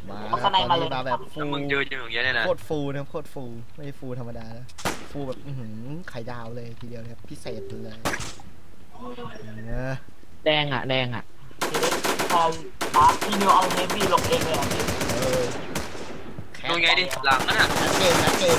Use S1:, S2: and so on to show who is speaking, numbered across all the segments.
S1: มา
S2: เอาสไนด์มาเลย
S1: ตอนนี้มาแบบฟู
S3: แล้วมึงยืนอยู่อย่างเงี้ยเนี่ยนะ
S1: โคตรฟูนะโคตรฟูไม่ใช่ฟูธรรมดานะฟูแบบไข่ดาวเลยทีเดียวนะครับพิเศษเลยนะ
S4: แดงอ่ะแดงอ่ะ
S2: พอพี่นิวเอาเฮฟวี่ลงเองเลยอ่ะพี่
S1: เออแค
S3: ดู
S1: ส
S3: ไงดิหลังนั่นน่ะ
S1: เกมนะเกม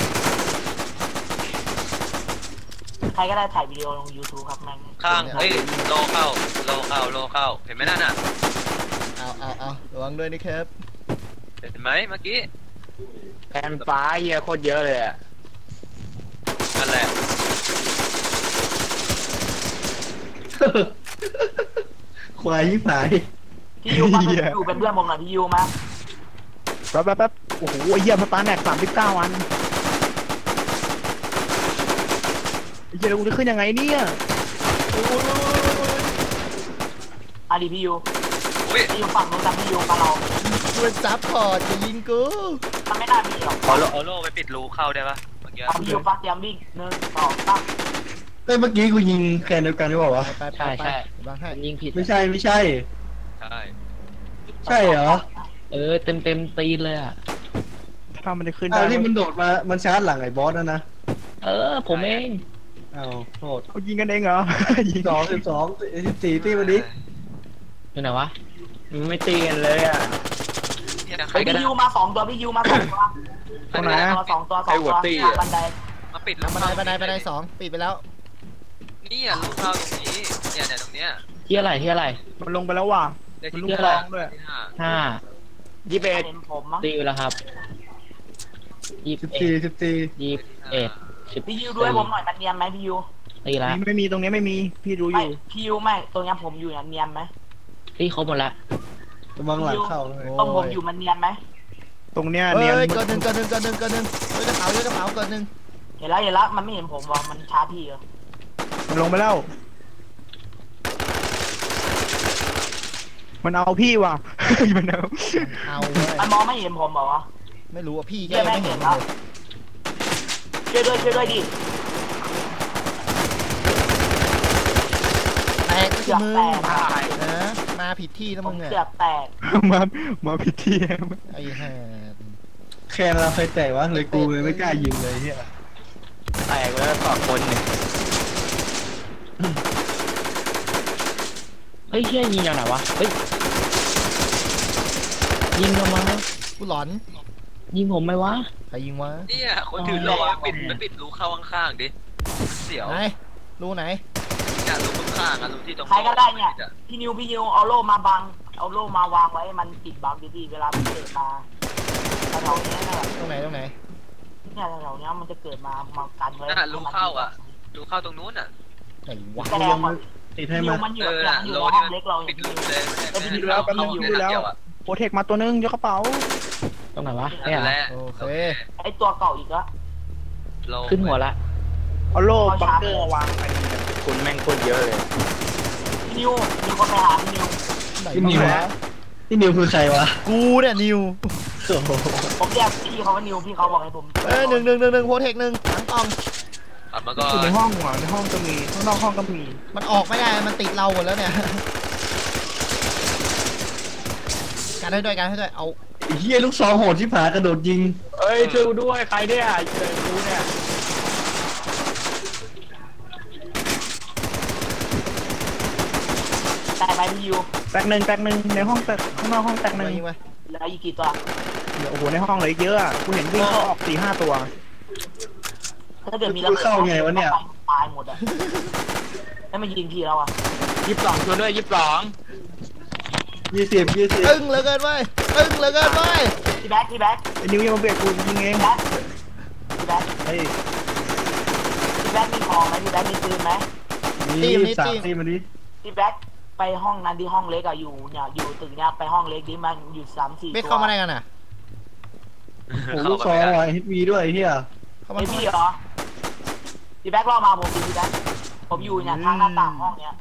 S2: ใครก็ได้ถ่ายวิดีโอลง YouTube ครับแม่ง
S3: ข้างเฮ้ยโลเข้าเห็นไหมนั่นน่ะ
S1: เอาระวังด้วยนะครับ
S3: เห็นไหมเมื่อกี้
S4: แผ่นฟ้าเหี้ยโคตรเยอะเลยอ่ะ
S3: นั่นแหละ
S5: ควายยิ่งหาย
S2: พี่ยูมาอยู่เป็นเพื่อนผมหน่อยพี่ยูมา
S4: แป๊บโอ้โหเหี้ยสตาร์แน็ก39 อันไอ้เหี้ยแล้วกูจะขึ้นยังไงเนี่ย
S2: อาดีพี่ยู
S3: อุ้ย
S2: พี่ยูฝั่งนู้นแต่พี่ยูกับเรา
S1: มันซับพอร์ตจะยิงกู
S2: มันไม่น่ามีหรอก
S3: เอาโลไปปิดรูเข้าได้ปะเมื่อกี้
S2: พี่ยูฟังเตรียมวิ่ง1 2 3
S5: เอ้ยเมื่อกี้กูยิงแคนเดียวกันหรือเปล่าวะ
S1: ไปวางให้
S4: ยิงผิด
S5: ไม่ใช่
S3: ใช่
S5: ใช่เหรอ
S4: เต็มตีนเลยอ่ะถ้ามันจะขึ้น
S5: อ้า
S4: ได้
S5: วที่มันโดดมามันชาร์จหลังไอ้บอสนะ
S4: ผมเอง
S5: อ้าวโทษ
S4: เขายิงกันเองเหรอ
S5: 12 14ตีมาดิ
S4: อยู่ไหนวะมันไม่ตีกันเลยอ่ะ
S3: เนี่ยใคร
S2: เฮ้ย
S3: ก็
S2: พี่
S3: ได้
S2: ยูมา2 ตัวพี่ยูมา2 ตัว
S4: ตรงไหนอะ
S2: 2 ตัวบันได
S3: มาปิดรู
S1: บันไดสองปิดไปแล้ว
S3: นี่อ่ะรูเข้าตรงนี้เนี่ยตรงเนี้ย
S4: ที่อะไรมันลงไปแล้วว่ะ
S3: ได้
S4: มัน
S3: ที่
S4: ลูก
S3: ห้า
S4: ซองด้วย
S3: ที่ห้า
S4: 21
S2: เห็นผมมั้ง
S4: ตีไปแล้วครับ
S5: 14
S2: พี่ยูด้วยผมหน่อยมันเนียนไหมพี่ยู
S4: ตีแล้ว
S6: ไม่มีตรงนี้ไม่มีพี่รู้อ
S2: ไม่
S6: ยู่
S2: พี่ยูไม่ตรงนี้ผมอยู่เนี่ยเนียนไหม
S4: ตีครบหมดละ
S5: กำลังหลังเข้าเลย
S2: ตรงผมอยู่มันเนียนไหม
S6: ตรงเนี้ย
S1: เฮ้
S6: เนียน
S1: ยเกินหนึ่งเฮ้ยกระเป๋าเกินหนึ่ง
S2: เห็นแล้วมันไม่เห็นผมว่ามันช้าพี่เหรอ
S6: มันลงไปแล้ว มันเอาพี่ว่ะ มันเอา
S1: เอาเลย
S2: มันมองไม่เห็นผมเหรอวะ
S1: ไม่รู้ว่าพี่แก
S2: เชื่อ
S1: ไม่เห็นเลย
S2: ช่วยด้วยดิ
S1: แตกก็
S2: เกื
S1: คือ
S2: อบ
S1: มึง
S2: แตก
S1: นะมาผิดที่แล้ว
S2: ผ
S1: มึ
S2: ม
S1: งอ่ะ
S2: เกือบแตก
S6: มามาพิธี
S1: ไอ้ห่า
S5: แคนเราเคยแตกวะเลยกูเลยไม่กล้ายิงเลยเฮีย
S4: แตกแล้วต่อคนหนึ่งเฮ้ยเฮียยิงยังไงวะเฮ้ยยิงทำไม
S1: กูหลอน
S4: ยิงผมไหมวะ
S1: ใครยิงวะ
S3: เนี่ยคนถือโลปิดรูเข้าข้างๆดิเสียว
S1: ไหนรูไหน
S3: เนี่ยรูข้างๆอ่ะรูที่ตรง
S2: ใครก็ได้เนี่ยพี่นิวเอาโล่มาบังเอาโล่มาวางไว้มันปิดบังดีๆเวลามันเกิดมาแถวๆนี้นะ
S1: ตรงไหน
S2: เนี่ยแถวๆนี้มันจะเกิดมากันไว้
S3: นั่นรูเข้าอ่ะรูเข้าตรงนู้นอ่ะ
S1: ไหนวะ
S2: แสดงว่า
S5: ติด
S2: พี่
S5: ให้
S2: นิ
S5: มา
S2: วมันอยู่
S3: น่ะ
S2: ใน
S3: โล
S2: ห้
S3: นี่
S2: องเล็กเรา
S3: ปิ
S2: เห็
S3: ด
S2: น
S3: รูเลย
S6: โปรเทคมาตัวนึงยกกระเป๋า
S4: ตรงไหนวะ
S3: นี่แหละ
S1: โอเค
S2: ไอตัวเก่าอีกแล้ว
S4: ขึ้นหัวละ
S6: เอาโล่บังเกอร์วางไป
S4: คุณแม่งโคตรเยอะเลย
S2: พี่นิวมีคนไปหาพี่นิว
S1: ไหน
S5: พี่นิว
S1: วะ
S5: พี่นิวคือใครวะ
S1: กูเนี่ยนิว
S5: โอ้โห
S2: ผมเรียกพี่เขาว่านิวพี่เขาบอกให้ผม
S1: หนึ่งโพเทคหนึ่งหลังกล่อง
S3: อัดมาก่อ
S6: อยู่ใน
S3: น
S6: ห้องว่ะในห้องก็มีข้างนอกห้องก็มี
S1: มันออกไม่ได้มันติดเราหมดแล้วเนี่ยการให้ด้วยเอา
S5: ไอ้เฮียลูกซองโหดที่ผากระโดดยิง
S4: เอ้ยช่วยด้วยใครเนี่ยเจอกูเนี่ย
S2: ได้ไหมพี่นิว
S6: แตกหนึ่งในห้องแตกข้างนอกห้องแตกหนึ่ง
S1: ยิงไป
S2: แล้วอีกกี่ตัว
S6: โอ้โหในห้องเหลยเยอะอ่ะกูเห็นวิ่งเข้าออก4-5 ตัว
S2: ถ้าเกิดมีระเบิดตายหมดอ่ะแล้วมันยิงพี่แล้วอ่ะ
S4: 22ตัวด้วย22
S5: 20
S1: ตึ้งเหลือเกินเว้ย
S2: พี่แบ็ค
S6: ไอ้นิวยังมาเบียดกูยิงเอง
S2: พี่แบ็ค
S5: เฮ้ย
S2: พี่แบ็คมีของไหมพี่แบ็คมีปืนไหม
S5: นี่3ตีมาดิ
S2: พี่แบ็คไปห้องนั้นที่ห้องเล็กอะอยู่เนี่ยอยู่ตึกเนี่ยไปห้องเล็กดิมันอยู่3-4
S1: ไม่
S2: ตัว
S1: เข้ามาได้กันอ่ะ
S5: โอ้ลูกซองว่ะฮิตวีด้วยเฮีย
S1: เข้ามา
S2: ไอพี่เหรอพี่แบ็คล่อมาผมดิพี่แบ็คผมอยู่เนี่ยทางหน้าต่างห้องเนี่ย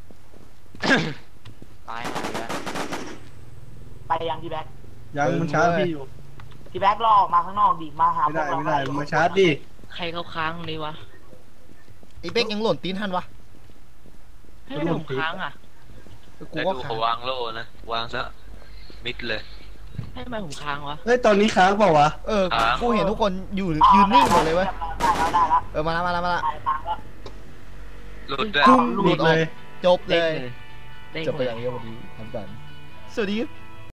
S4: ตายหายแล้ว
S2: ไปยังพี่แบ็ค
S5: ยังมันชาร์จพี่อยู่
S2: พี่แบ็คล่อออกมาข้างนอกดิมาหาพ
S5: ไม่
S2: วก
S5: ได้
S2: เรา
S5: มึงมาชาร์จดิ
S4: ใครเขาค้างนี่วะ
S1: ไอ้เป๊กยังหล่นตีนทันวะ
S4: ให้ผมค้างอ่ะ
S1: กู
S3: แล้ว
S1: ว่า
S3: ดู
S1: ขา
S3: เขาวางโล่นะวางซะมิดเลย
S7: ให้ทำไมผมค้างวะ
S5: เฮ้ยตอนนี้ค้างเปล่าวะ
S1: เออกูเห็นทุกคนอยู่ยืนนิ่งหมดเลยเว้ย
S2: ได้แล้ว
S1: มาละ
S2: ได้แล้ว
S3: หลุดด้วย
S1: กุ้งห
S5: ห
S1: ลุ
S5: ลุ
S1: ด
S5: ด
S1: อ
S5: เล
S1: อก
S5: ย
S1: จบเลย
S7: เด้ง
S1: จบไป
S7: เล
S1: อย ย่างนี้วันนี้ทำกันสวัสดีครับ